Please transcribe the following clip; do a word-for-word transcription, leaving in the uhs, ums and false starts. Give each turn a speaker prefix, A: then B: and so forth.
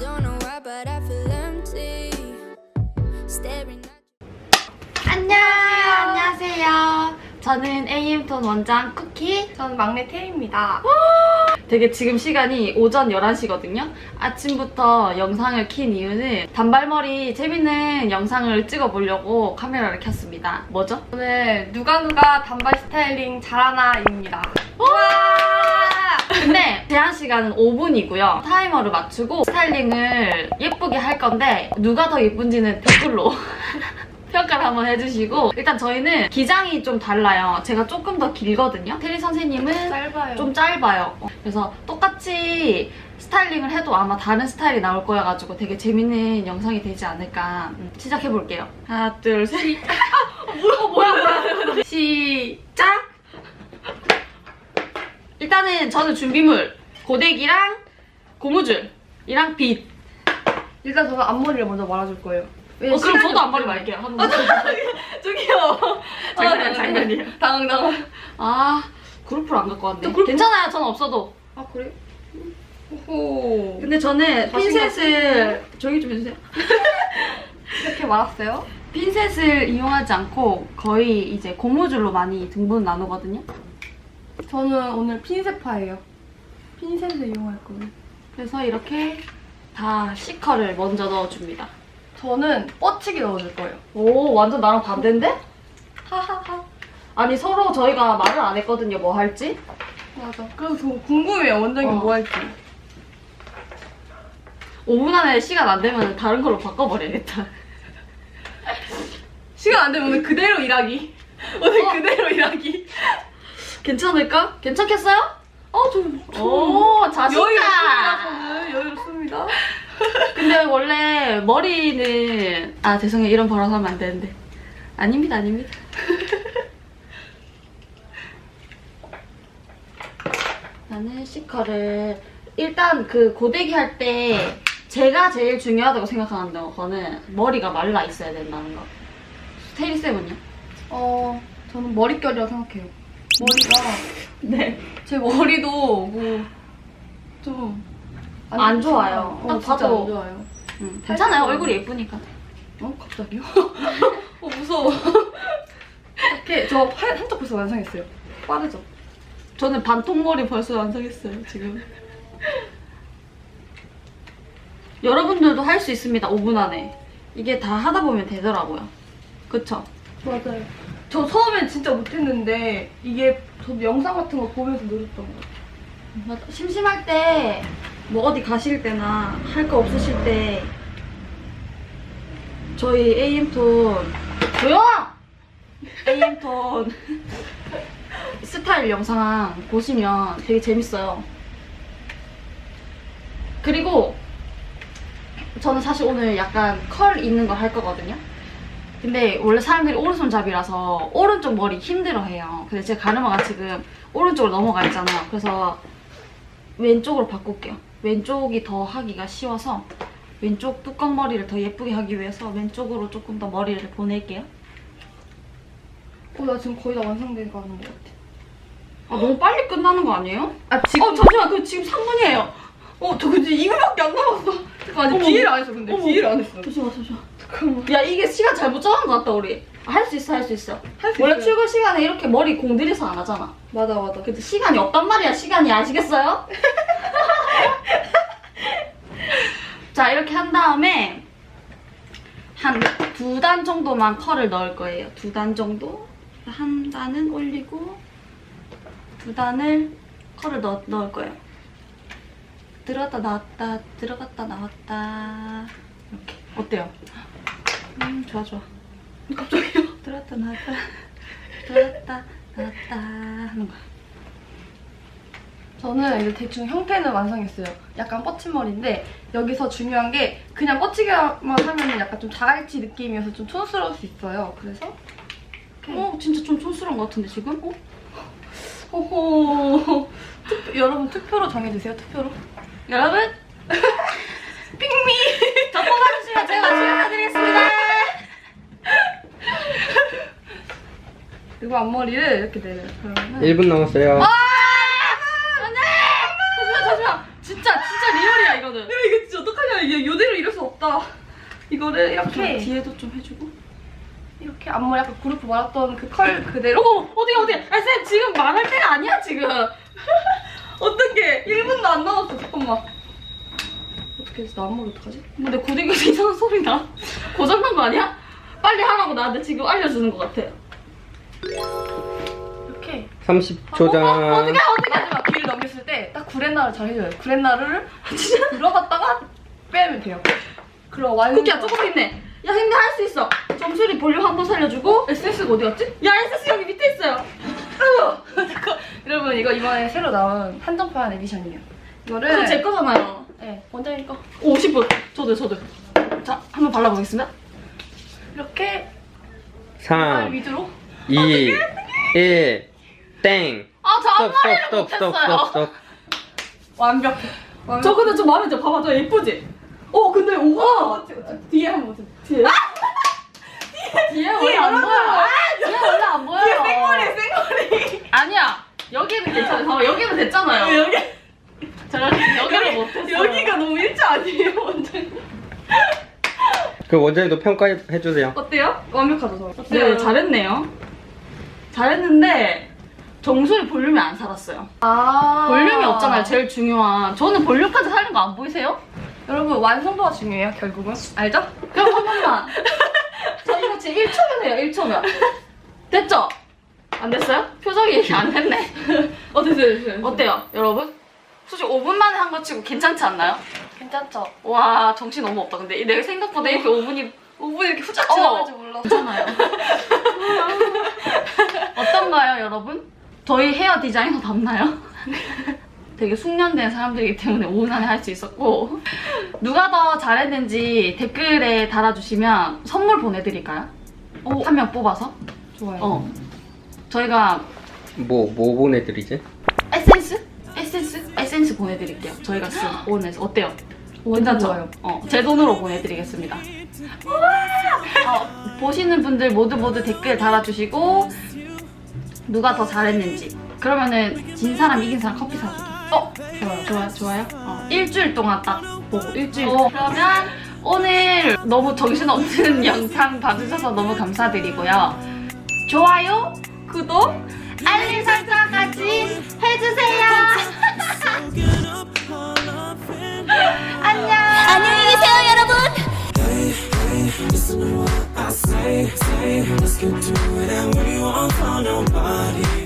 A: don't know why, but I feel empty. Staring at
B: 안녕! 안녕하세요. 저는 에이엠톤 원장 쿠키.
C: 저는 막내 태희입니다.
B: 되게 지금 시간이 오전 열한 시거든요. 아침부터 영상을 킨 이유는 단발머리 재밌는 영상을 찍어보려고 카메라를 켰습니다. 뭐죠?
C: 오늘 누가 누가 단발 스타일링 잘하나입니다.
B: 근데 제한 시간은 오 분이고요. 타이머를 맞추고 스타일링을 예쁘게 할 건데 누가 더 예쁜지는 댓글로 평가를 한번 해주시고, 일단 저희는 기장이 좀 달라요. 제가 조금 더 길거든요. 테리 선생님은
C: 짧아요.
B: 좀 짧아요. 그래서 똑같이 스타일링을 해도 아마 다른 스타일이 나올 거여가지고 되게 재밌는 영상이 되지 않을까. 음, 시작해볼게요. 하나, 둘, 셋. 아, 뭐야, 뭐야, 뭐야. 시작! 일단은 저는 준비물, 고데기랑 고무줄이랑 빗.
C: 일단 저는 앞머리를 먼저 말아줄 거예요.
B: 어, 그럼 저도 앞머리 말게요. 한 번.
C: 저기요.
B: 장난이야, 장난이야.
C: 당황 당황.
B: 아, 그룹을 안 갖고 왔네.
C: 그룹-
B: 괜찮아요, 전 없어도.
C: 아 그래? 호.
B: 근데 저는
C: 자신감
B: 핀셋을 조용히 좀 해주세요.
C: 이렇게 말았어요?
B: 핀셋을 이용하지 않고 거의 이제 고무줄로 많이 등분 나누거든요.
C: 저는 오늘 핀셋파예요. 핀셋을 이용할 거예요.
B: 그래서 이렇게 다 시커를 먼저 넣어줍니다.
C: 저는 뻗치기 넣어줄 거예요.
B: 오, 완전 나랑 반대인데?
C: 하하하.
B: 아니, 서로 저희가 말을 안 했거든요, 뭐 할지.
C: 맞아. 그래서 저 궁금해요. 원장님
B: 어.
C: 뭐 할지.
B: 오 분 안에 시간 안 되면 다른 걸로 바꿔버려야겠다.
C: 시간 안 되면 오늘 그대로 일하기. 오늘
B: 어?
C: 그대로 일하기.
B: 괜찮을까? 괜찮겠어요?
C: 어, 저,
B: 오, 자신감!
C: 여유롭습니다. 저는 여유롭습니다.
B: 근데 원래 머리는, 아 죄송해요, 이런 발언 하면 안 되는데. 아닙니다, 아닙니다. 나는 시커를 일단 그 고데기 할 때 제가 제일 중요하다고 생각하는 거는 머리가 말라 있어야 된다는 거. 테리 쌤은요?
C: 어, 저는 머릿결이라고 생각해요. 머리가,
B: 네.
C: 제 머리도 뭐, 좀.
B: 안 좋아요.
C: 어,
B: 딱
C: 진짜
B: 봐도.
C: 안 좋아요.
B: 음, 괜찮아요, 얼굴이 예쁘니까.
C: 어? 갑자기요? 어, 무서워. 이렇게, 저 한, 한쪽 벌써 완성했어요. 빠르죠?
B: 저는 반통머리 벌써 완성했어요, 지금. 여러분들도 할 수 있습니다, 오 분 안에. 이게 다 하다 보면 되더라고요. 그쵸?
C: 맞아요. 저 처음엔 진짜 못했는데, 이게 저도 영상 같은 거 보면서 늘었던 것 같아요.
B: 맞아. 심심할 때, 뭐 어디 가실 때나 할 거 없으실 때 저희 에이엠톤 조용! 에이엠톤 스타일 영상 보시면 되게 재밌어요. 그리고 저는 사실 오늘 약간 컬 있는 거 할 거거든요. 근데 원래 사람들이 오른손잡이라서 오른쪽 머리 힘들어해요. 근데 제 가르마가 지금 오른쪽으로 넘어가 있잖아요. 그래서 왼쪽으로 바꿀게요. 왼쪽이 더 하기가 쉬워서 왼쪽 뚜껑 머리를 더 예쁘게 하기 위해서 왼쪽으로 조금 더 머리를 보낼게요.
C: 어, 나 지금 거의 다 완성된 거 하는 것 같아.
B: 아, 너무 빨리 끝나는 거 아니에요?
C: 아, 지금.
B: 어, 잠시만. 그 지금 삼 분이에요.
C: 어, 저 근데 이 분밖에 안 남았어. 잠깐, 아직
B: 어머.
C: 기회를 안 했어, 근데.
B: 어머.
C: 기회를 안 했어.
B: 잠시만, 잠시만.
C: 잠깐만.
B: 야, 이게 시간 잘못 정한 것 같다, 우리. 할 수 있어, 할 수 있어.
C: 할 수
B: 원래
C: 있어요.
B: 출근 시간에 이렇게 머리 공들여서 안 하잖아.
C: 맞아, 맞아.
B: 근데 시간이 없단 말이야, 시간이. 아시겠어요? 자, 이렇게 한 다음에 한 두 단 정도만 컬을 넣을 거예요. 두 단 정도. 한 단은 올리고 두 단을 컬을 넣, 넣을 거예요. 들어갔다 나왔다, 들어갔다 나왔다. 이렇게. 어때요? 음, 좋아, 좋아. 갑자기요? 들어갔다 나왔다, 들어갔다 나왔다 하는 거야.
C: 저는 이제 대충 형태는 완성했어요. 약간 뻗친 머리인데 여기서 중요한 게 그냥 뻗치기만 하면 약간 좀 자갈치 느낌이어서 좀 촌스러울 수 있어요. 그래서 이렇게.
B: 어, 진짜 좀 촌스러운 것 같은데, 지금? 어?
C: 호호. 투표, 여러분 투표로 정해주세요. 투표로.
B: 여러분,
C: 핑미.
B: 저 뽑아주시면 제가 축하드리겠습니다.
C: 그리고 앞머리를 이렇게 내려요. 그러면은
D: 일 분 남았어요.
B: 아! 안돼! 잠시만, 잠시만. 진짜, 진짜 리얼이야, 이거는.
C: 야, 이거 진짜 어떡하냐. 이게 없다. 이거를 이렇게
B: 뒤에도 좀 해주고.
C: 이렇게 앞머리 약간 그룹 말았던 그 컬 그대로.
B: 어, 어디 어디? 아, 쌤 지금 말할 때가 아니야 지금.
C: 어떡해. 일 분도 안 남았어. 잠깐만. 어떻게 해서 나 앞머리 어떡하지?
B: 근데 고데기에서 이상한 소리 나. 고장난 거 아니야? 빨리 하라고 나한테 지금 알려주는 것 같아.
C: 이렇게.
D: 삼십 초 전.
B: 어, 어떻게 어떻게?
C: 마지막 귀를 넘겼을 때 딱 구렛나루 잘 해줘요. 구렛나루를 진짜 들어갔다가 빼면 돼요. 그럼 완전.
B: 쿠키야 조금 있네. 야 근데 할 수 있어. 점수리 볼륨 한 번 살려주고.
C: 에스에스가 어디 갔지?
B: 야 에스에스 여기 밑에 있어요.
C: 잠깐. 여러분 이거 이번에 새로 나온 한정판 에디션이에요. 이거를.
B: 그거 제 거잖아요.
C: 네, 원장님 거.
B: 오십 분. 저도 저도. 자 한번 발라보겠습니다.
C: 이렇게 말
D: 삼,
C: 위주로.
D: 이, 일, 땡.
B: 아저
D: 스톱,
B: 앞머리를
D: 스톱, 스톱, 스톱,
B: 못했어요.
D: 스톱.
C: 완벽해. 완벽해.
B: 저 근데 좀 마음에 들어. 봐봐 저 예쁘지? 어 근데 오가
C: 어찌, 어찌. 뒤에 한번 보세요.
B: 뒤에. 뒤에 원래 안
C: 여러분.
B: 보여요. 아, 뒤에 원래 안 보여요.
C: 뒤에 생머리 생머리.
B: 아니야. 여기는 괜찮아요. 봐봐 여기는 됐잖아요.
C: 여기
B: 제가 여기를 못했어요.
C: 여기가 너무 일자 아니에요 원장님?
D: 그 원장님도 평가해 주세요.
C: 어때요? 완벽하죠 저.
B: 네 잘했네요. 잘했는데 정수리 볼륨이 안 살았어요.
C: 아
B: 볼륨이 없잖아요. 제일 중요한. 저는 볼륨까지 살린 거 안 보이세요?
C: 여러분 완성도가 중요해요 결국은. 알죠?
B: 그럼 한 번만. 저 이거 지금 일 초면 해요. 일 초면. 됐죠? 안 됐어요? 표정이 안 됐네.
C: 어 됐어요 됐어요.
B: 어때요, 여러분? 솔직히 오 분 만에 한 거 치고 괜찮지 않나요?
C: 괜찮죠?
B: 와, 정신 너무 없다. 근데 내 생각보다 이렇게 오 분이
C: 오 분 이렇게 후딱
B: 어.
C: 지나갈 줄 몰랐어.
B: 괜찮아요. 어떤가요, 여러분? 저희 헤어 디자이너 닮나요? 되게 숙련된 사람들이기 때문에 오 분 안에 할 수 있었고 누가 더 잘했는지 댓글에 달아주시면 선물 보내드릴까요? 한 명 뽑아서?
C: 좋아요.
B: 어. 저희가
D: 뭐, 뭐 보내드리지?
B: 에센스? 에센스? 에센스 보내드릴게요. 저희가 쓴 오늘에서 어때요?
C: 완전
B: 괜찮죠?
C: 좋아요.
B: 어, 제 돈으로 보내드리겠습니다. 어, 보시는 분들 모두 모두 댓글 달아주시고 누가 더 잘했는지 그러면은 진 사람 이긴 사람 커피 사주기.
C: 어 좋아요.
B: 좋아요, 좋아요. 어, 일주일 동안 딱 보고 일주일.
C: 어.
B: 그러면 오늘 너무 정신없는 영상 봐주셔서 너무 감사드리고요. 좋아요, 구독, 알림 설정까지 해주세요. 안녕.
A: 안녕히 계세요, 여러분.
E: Listen to what I say, say, let's get to it and we won't call nobody.